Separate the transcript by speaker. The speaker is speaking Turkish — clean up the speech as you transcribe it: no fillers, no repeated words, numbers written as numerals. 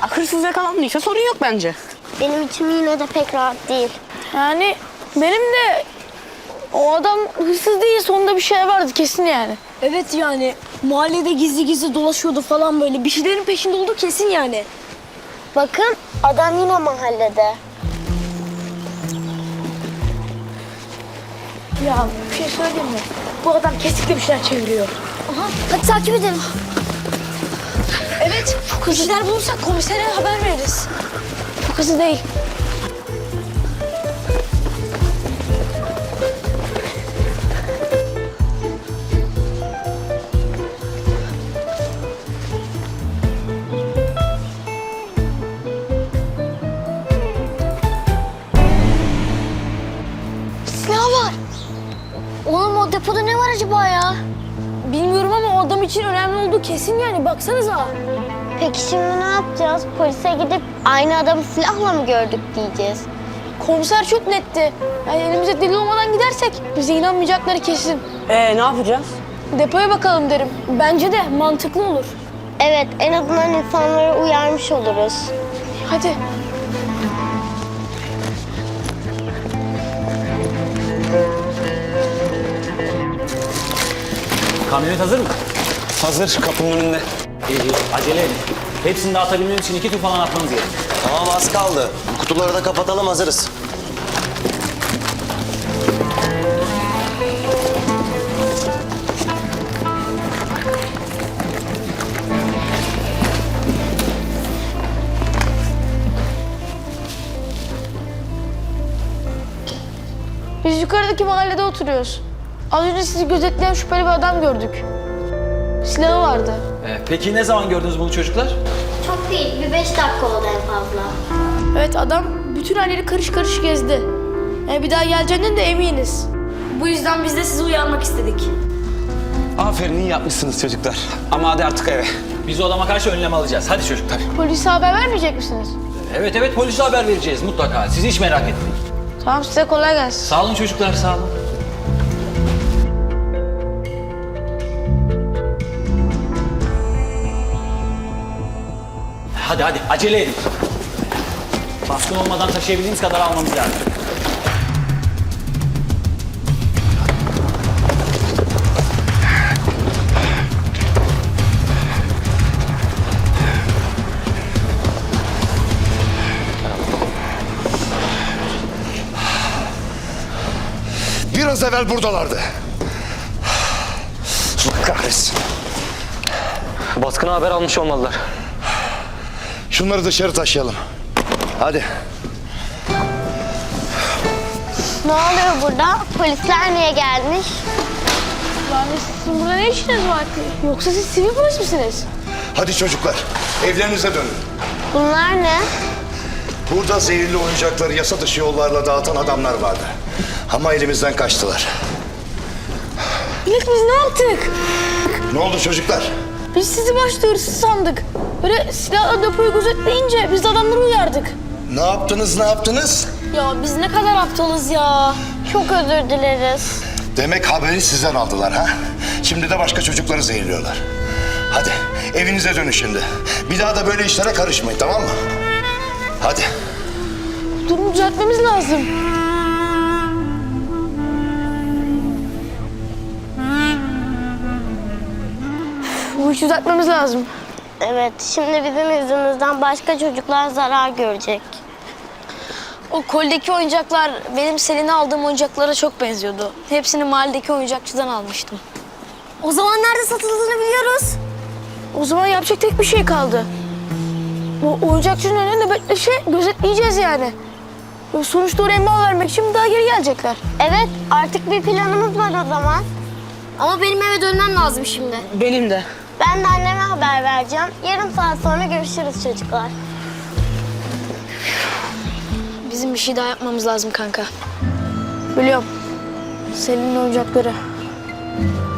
Speaker 1: hırsız yakalandıysa sorun yok bence.
Speaker 2: Benim içim yine de pek rahat değil.
Speaker 3: Yani benim de o adam hırsız değil, sonunda bir şey vardı kesin yani.
Speaker 4: Evet yani mahallede gizli gizli dolaşıyordu falan böyle. Bir şeylerin peşinde oldu kesin yani.
Speaker 2: Bakın adam yine mahallede.
Speaker 3: Ya bir şey söyleyeyim mi? Bu adam kesinlikle bir şeyler çeviriyor.
Speaker 4: Aha, hadi takip edelim. Evet, bir şeyler bulursak komisere haber veririz.
Speaker 3: Çok hızlı değil.
Speaker 2: Silah var. Oğlum o depoda ne var acaba ya?
Speaker 4: Bilmiyorum ama o adam için önemli olduğu kesin yani. Baksanıza.
Speaker 2: Peki şimdi ne yapacağız? Polise gidip aynı adamı silahla mı gördük diyeceğiz.
Speaker 3: Komiser çok netti. Yani elimize delil olmadan gidersek bize inanmayacakları kesin.
Speaker 1: Ne yapacağız?
Speaker 3: Depoya bakalım derim.
Speaker 4: Bence de mantıklı olur.
Speaker 2: Evet, en azından insanları uyarmış oluruz.
Speaker 3: Hadi.
Speaker 5: Kamyonet hazır mı?
Speaker 6: Hazır, kapının önünde.
Speaker 5: İyi, acele edin. Hepsini dağıtabilmemiz için 2 tur falan atmanız gerekiyor.
Speaker 6: Tamam, az kaldı. Kutuları da kapatalım, hazırız.
Speaker 3: Biz yukarıdaki mahallede oturuyoruz. Az önce sizi gözetleyen şüpheli bir adam gördük. Silahı vardı.
Speaker 5: Peki ne zaman gördünüz bunu çocuklar?
Speaker 2: Çok değil, bir 5 dakika oldu en fazla.
Speaker 3: Evet, adam bütün halleri karış karış gezdi. Yani bir daha geleceğinden de eminiz.
Speaker 4: Bu yüzden biz de sizi uyarmak istedik.
Speaker 6: Aferin, iyi yapmışsınız çocuklar. Ama hadi artık eve.
Speaker 5: Biz o adama karşı önlem alacağız. Hadi çocuklar.
Speaker 3: Polise haber vermeyecek misiniz?
Speaker 5: Evet, polise haber vereceğiz mutlaka. Siz hiç merak etmeyin.
Speaker 3: Tamam, size kolay gelsin.
Speaker 5: Sağ olun çocuklar, sağ olun. Hadi acele edin. Baskın olmadan taşıyabildiğimiz kadar almamız lazım.
Speaker 7: Biraz evvel buradalardı. Allah kahretsin.
Speaker 6: Baskına haber almış olmalılar.
Speaker 7: Şunları dışarı taşıyalım. Hadi.
Speaker 2: Ne oluyor burada? Polisler niye gelmiş?
Speaker 3: Yani sizin burada ne işiniz var ki? Yoksa siz sivil polis misiniz?
Speaker 7: Hadi çocuklar, evlerinize dönün.
Speaker 2: Bunlar ne?
Speaker 7: Burada zehirli oyuncakları yasa dışı yollarla dağıtan adamlar vardı. Ama elimizden kaçtılar.
Speaker 3: İlk biz ne yaptık?
Speaker 7: Ne oldu çocuklar?
Speaker 3: Biz sizi başta hırsız sandık. Böyle silahla depoyu gözetleyince biz de adamları uyardık.
Speaker 7: Ne yaptınız?
Speaker 4: Ya biz ne kadar aptalız ya.
Speaker 2: Çok özür dileriz.
Speaker 7: Demek haberi sizden aldılar ha? Şimdi de başka çocukları zehirliyorlar. Hadi evinize dönün şimdi. Bir daha da böyle işlere karışmayın, tamam mı? Hadi.
Speaker 3: Durumu düzeltmemiz lazım. Bu işi düzeltmemiz lazım.
Speaker 2: Evet, şimdi bizim yüzümüzden başka çocuklar zarar görecek.
Speaker 4: O koldeki oyuncaklar benim Selin'e aldığım oyuncaklara çok benziyordu. Hepsini mahalledeki oyuncakçıdan almıştım. O zaman nerede satıldığını biliyoruz.
Speaker 3: O zaman yapacak tek bir şey kaldı. Bu oyuncakçının önünde nöbetleşe gözetleyeceğiz yani. Sonuçta oraya mal vermek için daha geri gelecekler.
Speaker 2: Evet, artık bir planımız var o zaman.
Speaker 4: Ama benim eve dönmem lazım şimdi.
Speaker 1: Benim de.
Speaker 2: Ben de anneme haber vereceğim. Yarım saat sonra görüşürüz çocuklar.
Speaker 4: Bizim bir şey daha yapmamız lazım kanka.
Speaker 3: Biliyorum. Selin'in oyuncakları.